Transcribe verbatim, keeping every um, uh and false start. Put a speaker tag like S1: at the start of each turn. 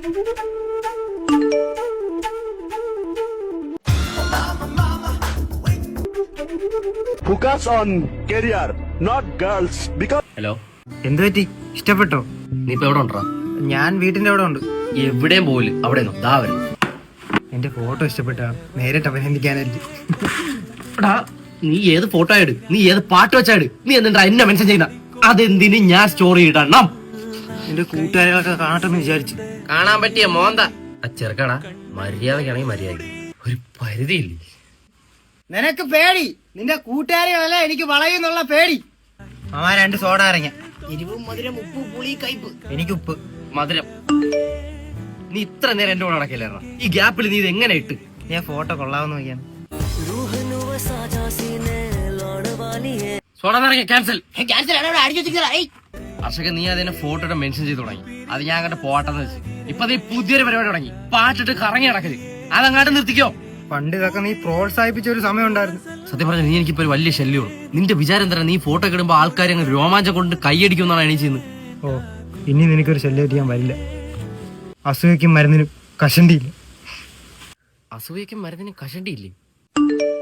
S1: Focus on career, not girls. Because
S2: hello,
S3: എന്ത് പറ്റി? ഇഷ്ടപ്പെട്ടോ?
S2: നീ ഇപ്പൊ എവിടെ ഉണ്ടാ?
S3: ഞാൻ വീട്ടിന്റെ അവിടെ ഉണ്ട്.
S2: എവിടെയും പോല് അവിടെ ദാ വരും.
S3: എന്റെ ഫോട്ടോ ഇഷ്ടപ്പെട്ടാ നേരിട്ട് അഭിനന്ദിക്കാനായിട്ട്.
S2: എടാ, നീ ഏത് ഫോട്ടോ ഇട്, നീ ഏത് പാട്ട് വെച്ചാട്, നീ എന്നിട്ടാ എന്നെ മെൻഷൻ ചെയ്യുന്ന? അതെന്തിന് ഞാൻ സ്റ്റോറി ഇടണം?
S3: എന്റെ കൂട്ടുകാരികളൊക്കെ കാണട്ടെന്ന് വിചാരിച്ചു.
S2: കാണാൻ പറ്റിയ മോന്ത ആ ചെറുക്കടാ. മര്യാദക്കാണെങ്കിൽ മര്യാദ, ഒരു പരിധിയില്ലേ.
S3: നിനക്ക് പേടി, നിന്റെ കൂട്ടുകാരികളല്ല എനിക്ക് വളയുന്നുള്ള പേടി. അമ്മ രണ്ട് സോഡ ഇറങ്ങിയ
S2: എരിവും മധുരം ഉപ്പ് പുളി കയ്പ്.
S3: എനിക്ക് ഉപ്പ്
S2: മധുരം. നീ ഇത്ര നേരം എന്റെ കൂടെ നടക്കില്ലായിരുന്ന? ഈ ഗ്യാപ്പിൽ നീ ഇത് എങ്ങനെ ഇട്ട്?
S3: ഞാൻ ഫോട്ടോ കൊള്ളാവുന്ന നോക്കിയാണ്.
S2: Soda നിറങ്ങിയ cancel. ഹർഷക, നീ അതിനെ ഫോട്ടോ മെൻഷൻ ചെയ്ത് തുടങ്ങി. അത് ഞാൻ അങ്ങോട്ട് പോട്ടെന്ന് വെച്ച് ഇപ്പൊ നീ പുതിയൊരു പരിപാടി തുടങ്ങി. പാട്ടിട്ട് കറങ്ങി നടക്കല്. അതങ്ങാട്ട് നിർത്തിക്കോ.
S3: പണ്ട് ഇതൊക്കെ നീ പ്രോത്സാഹിപ്പിച്ച ഒരു സമയം ഉണ്ടായിരുന്നു.
S2: സത്യം പറഞ്ഞ നീ എനിക്കിപ്പോ ഒരു വലിയ ശല്യമാണ്. നിന്റെ വിചാരം തരാം നീ ഫോട്ടോ ഒക്കെ ഇടുമ്പോ ആൾക്കാർ അങ്ങ് രോമാഞ്ചം കൊണ്ട് കൈയടിക്കുമെന്നാണ് എണീ ചെയ്യുന്നത്.
S3: ഓ, ഇനി നിനക്കൊരു ശല്യം ചെയ്യാൻ വരില്ല. അസൂയക്കും മരുന്നിനും കഷണ്ടിയില്ല.
S2: അസൂയക്കും മരുന്നിനും കഷണ്ടിയില്ലേ?